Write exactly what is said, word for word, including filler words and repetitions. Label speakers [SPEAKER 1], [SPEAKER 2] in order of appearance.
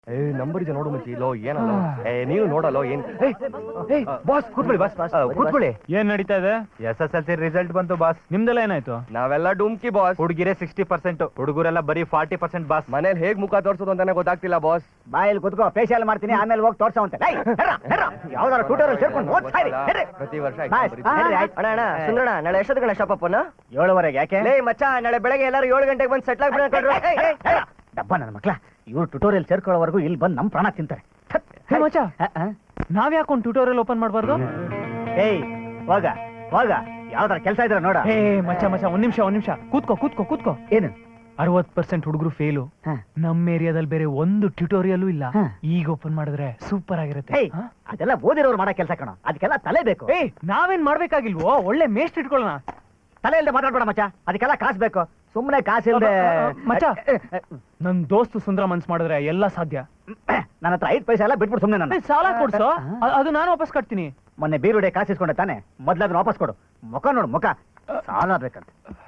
[SPEAKER 1] ಏ ನಂಬರ್ ಇದೆ ನೋಡು ಮಚ್ಚಿ ಲೋ ಏನಲ್ಲ ಏ ನೀನು ನೋಡಲ್ಲ ಏನ್ ಬಾಸ್ ಕೂತ್ಕೊಳ್ಳಿ ಬಾಸ್ ಕೂತ್ಕೊಳ್ಳಿ.
[SPEAKER 2] ಏನ್ ನಡೀತಾ ಇದೆ? S S L C result ಬಂತು ಬಾಸ್. ನಿಮ್ದೆಲ್ಲ ಏನಾಯ್ತು?
[SPEAKER 1] ನಾವೆಲ್ಲ ಡುಮ್ಕಿ ಬಾಸ್.
[SPEAKER 2] ಹುಡುಗಿರೆ ಸಿಕ್ಸ್ಟಿ ಪರ್ಸೆಂಟ್, ಹುಡುಗರೆಲ್ಲ ಬರೀ ಫಾರ್ಟಿ ಪರ್ಸೆಂಟ್ ಬಾಸ್.
[SPEAKER 1] ಮನೇಲಿ ಹೇಗ್ ಮುಖ ತೋರ್ಸೋದು ಅಂತಾನೆ ಗೊತ್ತಾಗ್ತಿಲ್ಲ ಬಾಸ್.
[SPEAKER 3] ಬಾಯಲ್ಲಿ ಕುತ್ಕೋ, ಫೇಶಿಯಲ್ ಮಾಡ್ತೀನಿ, ಆಮೇಲೆ ಹೋಗಿ ತೋರ್ಸವಂತೆ. ಯಾವ್ದಾರು ಟ್ಯೂಟರ್ ಸೇರ್ಕೊಂಡು ಓದ್ಸಾರಿ.
[SPEAKER 1] ಪ್ರತಿ ವರ್ಷ
[SPEAKER 4] ಅಣ್ಣ ಅಣ್ಣ ಸುಂದರಣ, ನಾಳೆ ಎಷ್ಟೊತ್ತು ಗಣ ಶಾಪಪ್ಪನ?
[SPEAKER 3] ಏಳುವರೆಗೆ. ಯಾಕೆ?
[SPEAKER 4] ಲೇ ಮಚ್ಚ, ನಾಳೆ ಬೆಳಗ್ಗೆ ಎಲ್ಲರೂ ಏಳು ಗಂಟೆಗೆ ಬಂದು ಸೆಟ್ಲ್ ಆಗ್ಬಿಡ್ರು.
[SPEAKER 3] ಡಬ್ಬ ನನ್ನ ಮಕ್ಳ, ಇವ್ರು ಟ್ಯೂಟೋರಿಯಲ್ ಸೇರ್ಕೊಳ್ಳೋವರೆಗೂ ಇಲ್ಲಿ ಬಂದು ನಮ್ ಪ್ರಾಣ ತಿಂತಾರೆ.
[SPEAKER 2] ಮಚ್ಚ, ನಾವ್ ಯಾಕೊಂದು ಟ್ಯೂಟೋರಿಯಲ್ ಓಪನ್ ಮಾಡಬಾರ್ದು?
[SPEAKER 3] ಏಯ್ ಹೋಗ ಹೋಗ, ಯಾವ್ದಾರ ಕೆಲಸ ಇದ್ರ ನೋಡ.
[SPEAKER 2] ಏ ಮಚ್ಚ ಮಚ್ಚ, ಒಂದ್ ನಿಮಿಷ ಒಂದ್ ನಿಮಿಷ ಕೂತ್ಕೋ ಕೂತ್ಕೋ ಕೂತ್ಕೋ.
[SPEAKER 3] ಏನು?
[SPEAKER 2] ಅರವತ್ ಪರ್ಸೆಂಟ್ ಹುಡುಗರು ಫೇಲು. ನಮ್ ಏರಿಯಾದಲ್ಲಿ ಬೇರೆ ಒಂದು ಟ್ಯೂಟೋರಿಯಲ್ ಇಲ್ಲ.
[SPEAKER 3] ಹ.
[SPEAKER 2] ಈಗ ಓಪನ್ ಮಾಡಿದ್ರೆ ಸೂಪರ್ ಆಗಿರುತ್ತೆ.
[SPEAKER 3] ಏಯ್ ಅದೆಲ್ಲ ಓದಿರೋರು ಮಾಡೋ ಕೆಲಸ ಕಣ, ಅದಕ್ಕೆಲ್ಲ ತಲೆ ಬೇಕು.
[SPEAKER 2] ಏಯ್ ನಾವೇನ್ ಮಾಡ್ಬೇಕಾಗಿಲ್ವೋ? ಒಳ್ಳೆ ಮೇಸ್ಟ್ ಇಟ್ಕೊಳ್ಳೋಣ.
[SPEAKER 3] ತಲೆ ಇಲ್ದೆ ಮಾತಾಡ್ಬೇಡ ಮಚ್ಚ, ಅದಕ್ಕೆಲ್ಲ ಕಾಸು ಬೇಕು. ಸುಮ್ಮನೆ ಕಾಸು ಇಲ್ದೆ
[SPEAKER 2] ಮಚ್ಚ, ನನ್ ದೋಸ್ತು ಸುಂದರ ಮನ್ಸ್ ಮಾಡಿದ್ರೆ ಎಲ್ಲ ಸಾಧ್ಯ.
[SPEAKER 3] ನನ್ನ ಹತ್ರ ಐದು ಪೈಸೆ ಎಲ್ಲ ಬಿಟ್ಬಿಟ್ಟು ಸುಮ್ಮನೆ ನನ್ನ
[SPEAKER 2] ಏ, ಸಾಲ ಕೊಡ್ಸೋ, ಅ- ಅದು ನಾನು ವಾಪಸ್ ಕಟ್ತೀನಿ.
[SPEAKER 3] ಮೊನ್ನೆ ಬೀರುಡೆ ಕಾಸು ಇಸ್ಕೊಂಡೆ ತಾನೆ, ಮೊದ್ಲು ಅದನ್ನ ವಾಪಸ್ ಕೊಡು. ಮುಖ ನೋಡು ಮುಖ, ಸಾಲ ಬೇಕಂತ.